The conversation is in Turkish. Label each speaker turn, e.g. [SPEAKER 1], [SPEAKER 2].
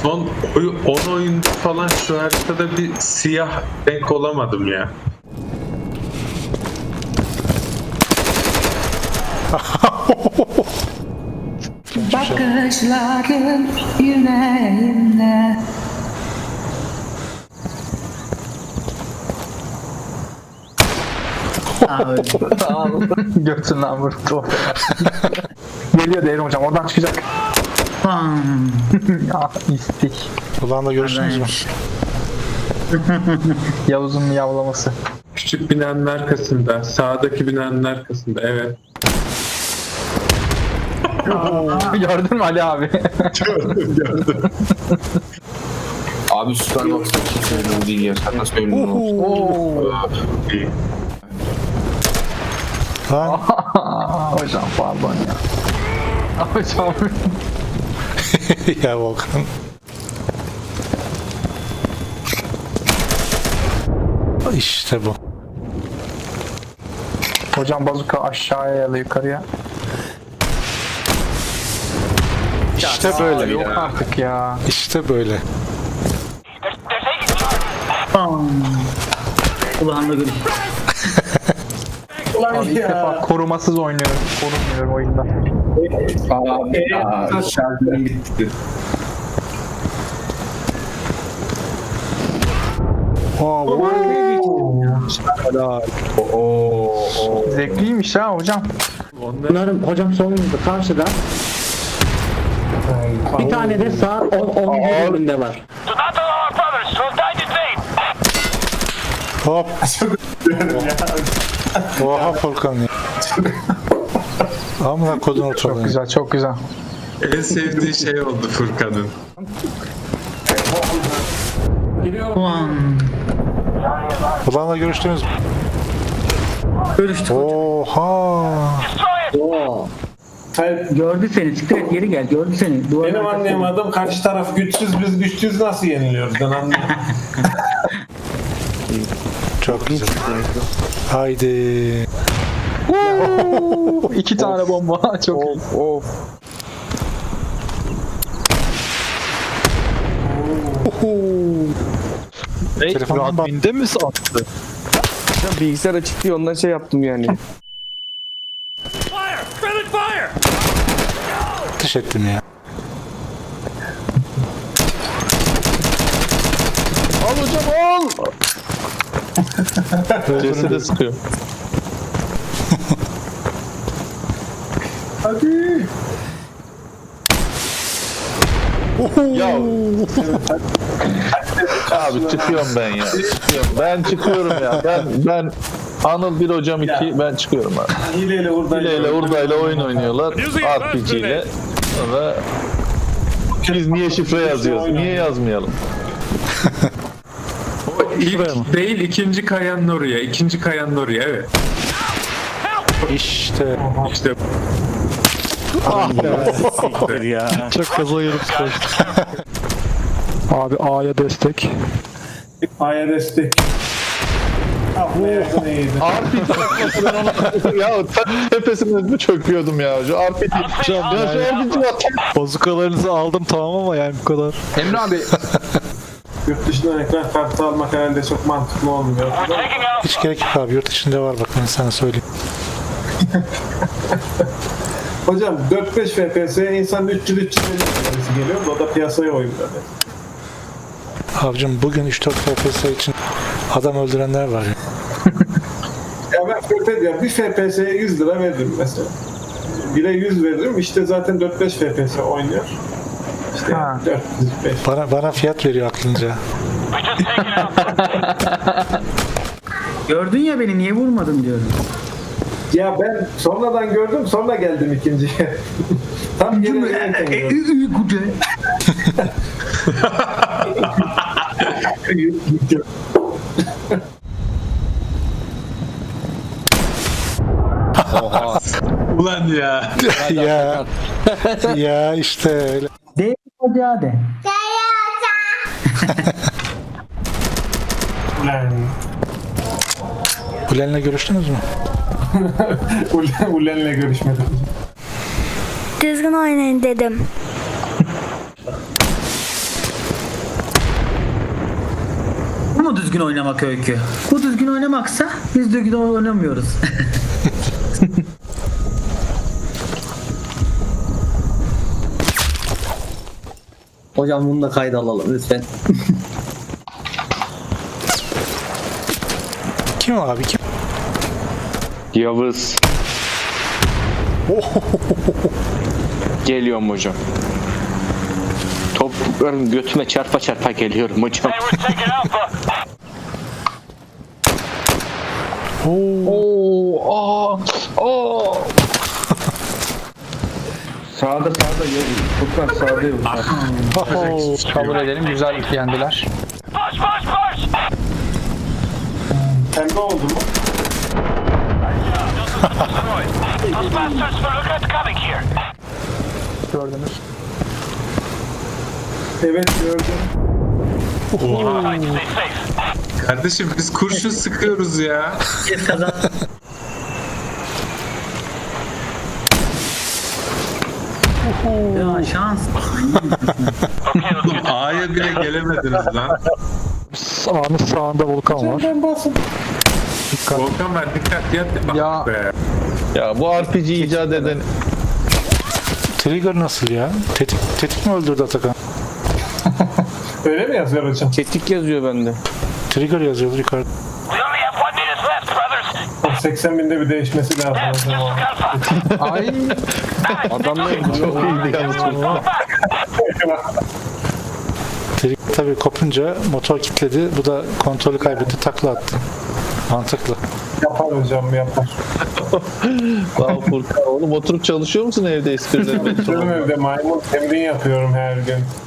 [SPEAKER 1] Son 10 oyunda falan şu haritada bir siyah renk olamadım ya.
[SPEAKER 2] Bakışların yüreğimde.
[SPEAKER 3] Götünden vurdu. Geliyor Devrim hocam, oradan çıkacak. Ya istik.
[SPEAKER 4] Ulan da görüştünüz mü?
[SPEAKER 3] Yavuz'un miyavlaması.
[SPEAKER 1] Küçük binanın arkasında, sağdaki binanın arkasında, evet.
[SPEAKER 3] Gördün mü Ali abi?
[SPEAKER 1] Gördüm.
[SPEAKER 5] Abi Superbox'ta kimse öyle değil ya. Sen nasıl öyle olsun?
[SPEAKER 1] İyi.
[SPEAKER 4] Lan
[SPEAKER 3] Hocam pardon ya. Hocam.
[SPEAKER 4] ya Volkan. İşte bu.
[SPEAKER 3] Hocam bazuka aşağıya ya da yukarıya.
[SPEAKER 4] İşte böyle.
[SPEAKER 3] Yok artık ya.
[SPEAKER 4] İşte böyle.
[SPEAKER 2] Kulağımda görüş.
[SPEAKER 3] Abi ilk defa korumasız oynuyorum. Korunmuyorum oyunda.
[SPEAKER 5] Abi şarjım bitti.
[SPEAKER 3] Zevkliymiş ha hocam.
[SPEAKER 6] Bunların hocam solumuzda karşıda. Bir tane de sağ 10 bölümünde var.
[SPEAKER 4] Hop. Oha Volkan ya. Amına kodun
[SPEAKER 3] Çok
[SPEAKER 4] oturdu.
[SPEAKER 3] güzel, çok güzel.
[SPEAKER 1] En sevdiği şey oldu Furkan'ın.
[SPEAKER 4] Ulan'la görüştünüz mü?
[SPEAKER 2] Görüştük.
[SPEAKER 4] Oha.
[SPEAKER 2] Gördü seni. Siktir et geri gel. Gördü seni. Duvarın
[SPEAKER 7] Benim
[SPEAKER 2] arkasında.
[SPEAKER 7] anlayamadım, karşı taraf güçsüz, biz güçsüz nasıl yeniliyoruz ben anlayamadım.
[SPEAKER 4] Çok güzel. Haydi.
[SPEAKER 3] 2 tane bomba. Çok iyi.
[SPEAKER 4] Telefondan bak.
[SPEAKER 8] Admin'de mi sattı? Ya bilgisayar açık diye ondan şey yaptım yani.
[SPEAKER 4] Ateş ettim ya.
[SPEAKER 8] Al hocam al! Cesede sıkıyor.
[SPEAKER 9] Ya abi çıkıyorum ben ya. Çıkıyorum. Ben çıkıyorum ya. Ben Anıl 1 hocam 2 ben çıkıyorum abi.
[SPEAKER 7] Hileyle
[SPEAKER 9] Hileyle hurdayla oyun oynuyorlar. RPG ile. Sonra biz niye şifre yazıyoruz? Niye yazmayalım?
[SPEAKER 1] İlk değil, ikinci kayanın oraya. İkinci kayanın oraya, evet.
[SPEAKER 4] İşte.
[SPEAKER 1] İşte
[SPEAKER 4] Çok kaza yerim.
[SPEAKER 3] Abi A'ya destek.
[SPEAKER 7] A'ya destek. Ah be yakın iyiydi.
[SPEAKER 9] RPG ben ona ya tepesine mi çöküyordum ya? Şu RPG. Ya şu RPG var.
[SPEAKER 8] Bazukalarınızı aldım tamam ama yani bu kadar.
[SPEAKER 3] Emre abi
[SPEAKER 7] Yurt dışından ekran kartı almak herhalde çok mantıklı olmuyor.
[SPEAKER 4] Hiç gerek yok abi. Yurt içinde var bak ben sana söyleyeyim.
[SPEAKER 7] Hocam 4-5 FPS insan 300-350 tanesi geliyor. O da piyasaya oyun böyle.
[SPEAKER 4] Abicim bugün 3-4 FPS için adam öldürenler var ya.
[SPEAKER 7] Ya ben FPS ya bir FPS'ye 100 lira veririm mesela. 1'e 100 veririm işte zaten 4-5 FPS oynuyor. İşte
[SPEAKER 3] Ha.
[SPEAKER 7] 405.
[SPEAKER 4] Bana fiyat veriyor aklınca.
[SPEAKER 2] Gördün ya beni niye vurmadın diyorum.
[SPEAKER 7] Ya ben sonradan gördüm sonra geldim ikinciye. Tam geri gelirken gördüm.
[SPEAKER 1] ulan ya.
[SPEAKER 4] ya. Ya işte öyle.
[SPEAKER 2] De hadi hadi.
[SPEAKER 4] Ulen'le görüştünüz mü?
[SPEAKER 7] Ulen'le görüşmedim.
[SPEAKER 10] Düzgün oynayın dedim.
[SPEAKER 2] düzgün oynamak Öykü. Bu düzgün oynamaksa biz düzgün oynamıyoruz.
[SPEAKER 6] Hocam bunu da kayda alalım lütfen.
[SPEAKER 4] Kim abi kim?
[SPEAKER 5] Yavuz. Geliyorum hocam. Toplarım götüme çarpa çarpa geliyorum hocam.
[SPEAKER 8] Sağda yok. Furkan sağda yok.
[SPEAKER 3] Kabul edelim. Güzel yendiler.
[SPEAKER 7] Pembe oldu mu?
[SPEAKER 3] Gördünüz.
[SPEAKER 7] Evet gördüm.
[SPEAKER 1] Kardeşim biz kurşun sıkıyoruz ya.
[SPEAKER 2] Biz kazan. Ya şans.
[SPEAKER 1] Oğlum A'ya bile gelemediniz lan.
[SPEAKER 3] Sağının sağında volkan var.
[SPEAKER 7] Ben basın.
[SPEAKER 1] Volkan ben dikkat yat.
[SPEAKER 3] Ya.
[SPEAKER 1] Be.
[SPEAKER 9] Ya bu RPG icat eden
[SPEAKER 4] Trigger nasıl ya? Tetik mi öldürdü Atakan?
[SPEAKER 7] Öyle mi yazıyor hocam?
[SPEAKER 8] Tetik yazıyor bende.
[SPEAKER 4] Trigger yazıyordu yukarıda.
[SPEAKER 7] 80 binde bir değişmesi lazım hocam.
[SPEAKER 8] Ay. Adamlar
[SPEAKER 9] çok iyiydi yalnız.
[SPEAKER 4] Trigger tabii kopunca motor kilitledi. Bu da kontrolü kaybetti. Takla attı. Mantıklı.
[SPEAKER 7] Yapar hocam yapar.
[SPEAKER 9] Lan Furkan oğlum oturup çalışıyor musun evde esprilerine?
[SPEAKER 7] Benim evde maymun temrin yapıyorum her gün.